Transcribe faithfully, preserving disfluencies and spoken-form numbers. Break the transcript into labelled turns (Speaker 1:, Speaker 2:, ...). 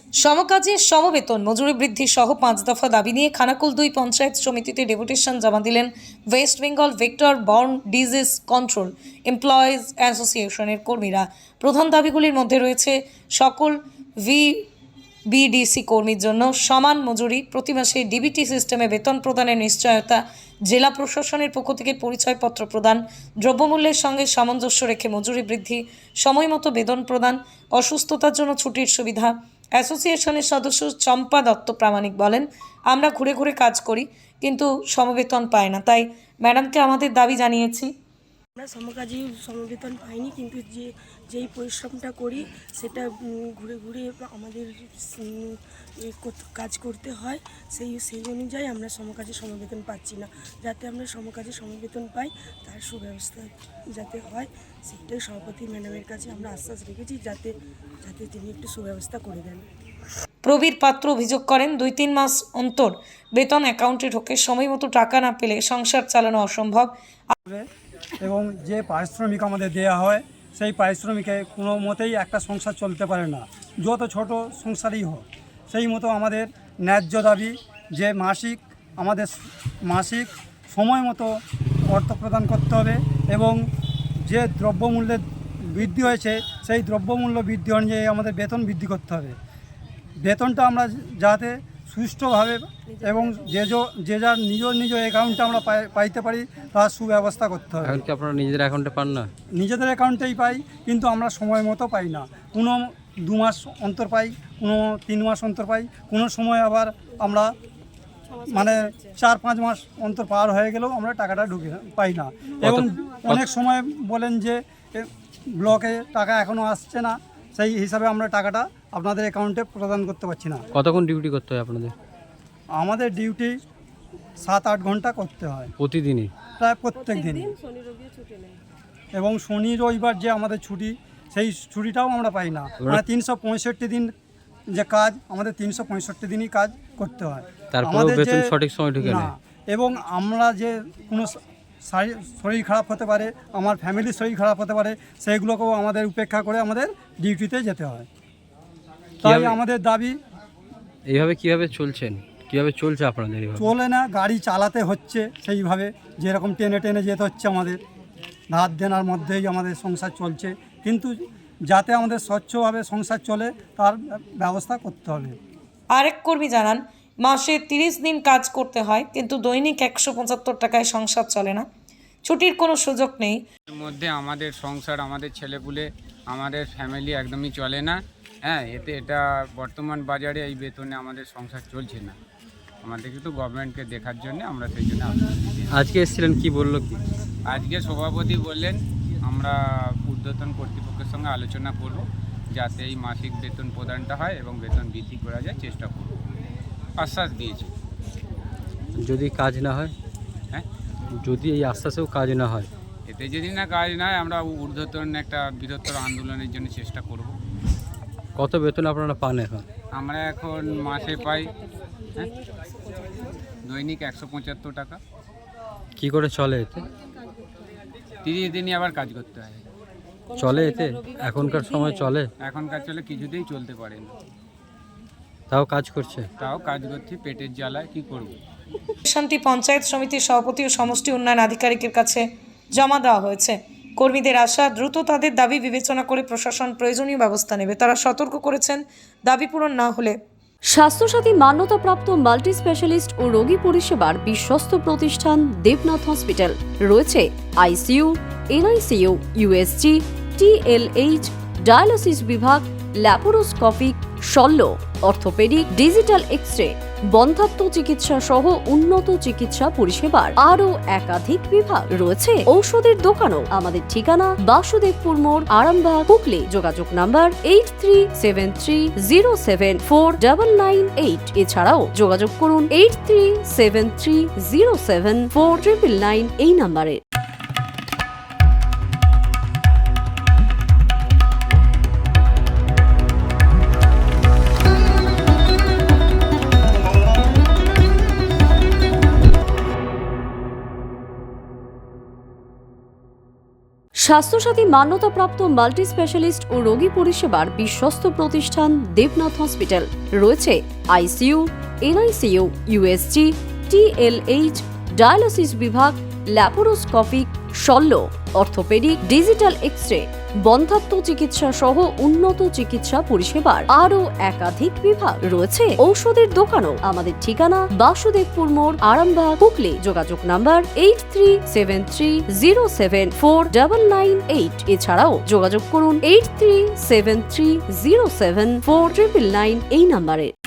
Speaker 1: সমকাজে সমবেতন মজুরি বৃদ্ধি সহ পাঁচ দফা দাবি নিয়ে খানাকুল দুই পঞ্চায়েত সমিতিতে ডেপুটেশন জমা দিলেন West Bengal vector borne disease control employees অ্যাসোসিয়েশনের কর্মীরা। প্রধান দাবিগুলির মধ্যে রয়েছে সকল ভি বিডিসি কর্মীর জন্য সমান মজুরি, প্রতি মাসে ডিবিটি সিস্টেমে বেতন প্রদানের নিশ্চয়তা, জেলা প্রশাসনের পক্ষ থেকে পরিচয়পত্র প্রদান, দ্রব্যমূল্যের সঙ্গে সামঞ্জস্য রেখে মজুরি বৃদ্ধি, সময়মতো বেতন প্রদান, অসুস্থতার জন্য ছুটির সুবিধা। অ্যাসোসিয়েশনের সদস্য চম্পা দত্ত প্রামাণিক বলেন, আমরা ঘুরে ঘুরে কাজ করি কিন্তু সমবেতন পাই না, তাই ম্যাডামকে আমাদের দাবি জানিয়েছি।
Speaker 2: আমরা সমকাজী সমবেতন পাইনি, কিন্তু যে যেই পরিশ্রমটা করি সেটা ঘুরে ঘুরে আমাদের কাজ করতে হয়, সেই সেই অনুযায়ী আমরা সমকাজী সমবেতন পাচ্ছি না। যাতে আমরা সমকাজী সমবেতন পাই তার সুব্যবস্থা যাতে হয় সেটাই সভাপতি ম্যাডামের কাছে আমরা আশ্বাস রেখেছি, যাতে যাতে তিনি একটু সুব্যবস্থা করে দেন।
Speaker 1: প্রবীর পাত্র অভিযোগ করেন, দুই তিন মাস অন্তর বেতন অ্যাকাউন্টে ঢোকে, সময় মতো টাকা না পেলে সংসার চালানো অসম্ভব।
Speaker 3: এবং যে পারিশ্রমিক আমাদের দেওয়া হয় সেই পারিশ্রমিকে কোনো মতেই একটা সংসার চলতে পারে না, যত ছোট সংসারই হোক। সেই মতো আমাদের ন্যায্য দাবি যে মাসিক আমাদের মাসিক সময় মতো অর্থ প্রদান করতে হবে, এবং যে দ্রব্যমূল্যের বৃদ্ধি হয়েছে সেই দ্রব্যমূল্য বৃদ্ধি অনুযায়ী আমাদের বেতন বৃদ্ধি করতে হবে। বেতনটা আমরা যাতে সুষ্ঠুভাবে এবং যে যে যার নিজ নিজ অ্যাকাউন্টে আমরা পাইতে পারি তার সুব্যবস্থা করতে হবে।
Speaker 4: এখন কি আপনারা নিজেদের অ্যাকাউন্টে পান না?
Speaker 3: নিজেদের অ্যাকাউন্টেই পাই, কিন্তু আমরা সময় মতো পাই না। কোনো দু মাস অন্তর পাই, কোনো তিন মাস অন্তর পাই, কোনো সময় আবার আমরা মানে চার পাঁচ মাস অন্তর পার হয়ে গেলেও আমরা টাকাটা ঢুকে পাই না। এবং অনেক সময় বলেন যে ব্লকে টাকা এখনও আসছে না, সেই হিসাবে আমরা টাকাটা আপনাদের অ্যাকাউন্টে প্রদান করতে পারছি না।
Speaker 4: কতক্ষণ ডিউটি করতে হয় আপনাদের?
Speaker 3: আমাদের ডিউটি সাত আট ঘন্টা করতে হয়
Speaker 4: প্রতিদিনই,
Speaker 3: প্রায় প্রত্যেক দিনই। এবং শনি রবিবার যে আমাদের ছুটি, সেই ছুটিটাও আমরা পাই না। মানে তিনশো পঁয়ষট্টি দিন যে কাজ, আমাদের তিনশো পঁয়ষট্টি দিনই কাজ করতে হয়।
Speaker 4: তারপরেও বেতন সঠিক সময় ঢুকে না।
Speaker 3: এবং আমরা যে কোনো শরীর খারাপ হতে পারে, আমার ফ্যামিলির শরীর খারাপ হতে পারে, সেইগুলোকেও আমাদের উপেক্ষা করে আমাদের ডিউটিতে যেতে হয়। তাই আমাদের দাবি।
Speaker 4: এইভাবে কিভাবে চলছেন, কিভাবে চলছে আপনাদের?
Speaker 3: চলে না, গাড়ি চালাতে হচ্ছে সেইভাবে, যেরকম টেনে টেনে যেতে হচ্ছে আমাদের। ধার দেনার মধ্যেই আমাদের সংসার চলছে, কিন্তু যাতে আমাদের স্বচ্ছভাবে সংসার চলে তার ব্যবস্থা করতে হবে।
Speaker 1: আরেক কর্মী জানান, মাসে তিরিশ দিন কাজ করতে হয়, কিন্তু দৈনিক একশো পঁচাত্তর টাকায় সংসার চলে না, ছুটির কোনো সুযোগ নেই।
Speaker 5: এর মধ্যে আমাদের সংসার, আমাদের ছেলেপুলে, আমাদের ফ্যামিলি একদমই চলে না। হ্যাঁ, এতে এটা বর্তমান বাজারে এই বেতনে আমাদের সংসার চলছে না। আমাদের কিন্তু গভর্নমেন্টকে দেখার জন্য আমরা সেই জন্য
Speaker 4: আজকে এসেছিলেন, কি বললো কি?
Speaker 5: আজকে সভাপতি বললেন আমরা ঊর্ধ্বতন কর্তৃপক্ষের সঙ্গে আলোচনা করব, যাতে এই মাসিক বেতন প্রদানটা হয় এবং বেতন বৃদ্ধি করা যায় চেষ্টা করব, আশ্বাস দিয়েছে।
Speaker 4: যদি কাজ না হয়,
Speaker 5: হ্যাঁ,
Speaker 4: যদি এই আশ্বাসেও কাজ না হয়,
Speaker 5: এতে যদি না কাজ না হয় আমরা ঊর্ধ্বতন একটা বৃহত্তর আন্দোলনের জন্য চেষ্টা করব।
Speaker 4: কত বেতন আপনারা পান এখন?
Speaker 5: আমরা এখন মাসে পাই হ্যাঁ দৈনিক একশো পঁচাত্তর টাকা।
Speaker 4: কি করে চলে এতে?
Speaker 5: তিরিশ দিনই আবার কাজ করতে হয়।
Speaker 4: চলে এতে? এখনকার সময় চলে?
Speaker 5: এখনকার চলে, কিছুতেই চলতে পারে না।
Speaker 4: তাও কাজ করছে?
Speaker 5: তাও কাজ করছি, পেটের জ্বালায় কি করব।
Speaker 1: শান্তি পঞ্চায়েত সমিতির সভাপতি ও সমষ্টি উন্নয়ন আধিকারিকের কাছে জমা দেওয়া হয়েছে। কর্মীদের আশা, দ্রুত তাদের দাবি বিবেচনা করে প্রশাসন প্রয়োজনীয় ব্যবস্থা নেবে। তারা সতর্ক করেছেন, দাবি পূরণ না হলে
Speaker 6: স্বাস্থ্যসাথী মান্যতাপ্রাপ্ত মাল্টি স্পেশালিস্ট ও রোগী পরিষেবার বিশ্বস্ত প্রতিষ্ঠান দেবনাথ হসপিটাল। রয়েছে ICU, NICU, USG, TLH, dialysis বিভাগ, ল্যাপারোস্কোপিক, শল্য, অর্থোপেডিক, ডিজিটাল এক্স-রে, বন্ধ্যাত্ব চিকিৎসা সহ উন্নত চিকিৎসা পরিষেবার আরও একাধিক বিভাগ রয়েছে। ঔষধের দোকানও। আমাদের ঠিকানা বাসুদেবপুর মোড়, আরামবাগ, হুগলি। যোগাযোগ number eight three seven three zero seven four double nine eight. এছাড়াও যোগাযোগ করুন eight three seven three zero seven four triple nine এই নাম্বারে। স্বাস্থ্যসাথী মান্যতাপ্রাপ্ত মাল্টি স্পেশালিস্ট ও রোগী পরিষেবার বিশ্বস্ত প্রতিষ্ঠান দেবনাথ হসপিটাল। রয়েছে ICU, NICU, USG, TLH, dialysis বিভাগ, ল্যাপারোস্কোপিক, শল্য, অর্থোপেডিক, ডিজিটাল এক্স-রে, বন্ধ্যাত্ব চিকিৎসা সহ উন্নত চিকিৎসা পরিষেবার আরও একাধিক বিভাগ। রয়েছে ঔষধের দোকানও। আমাদের ঠিকানা বাসুদেবপুর মোড়, আরামবাগ, হুগলি। যোগাযোগ number eight three seven three zero seven four double nine eight. এছাড়াও যোগাযোগ করুন eight three seven three zero seven four triple nine এই নাম্বারে।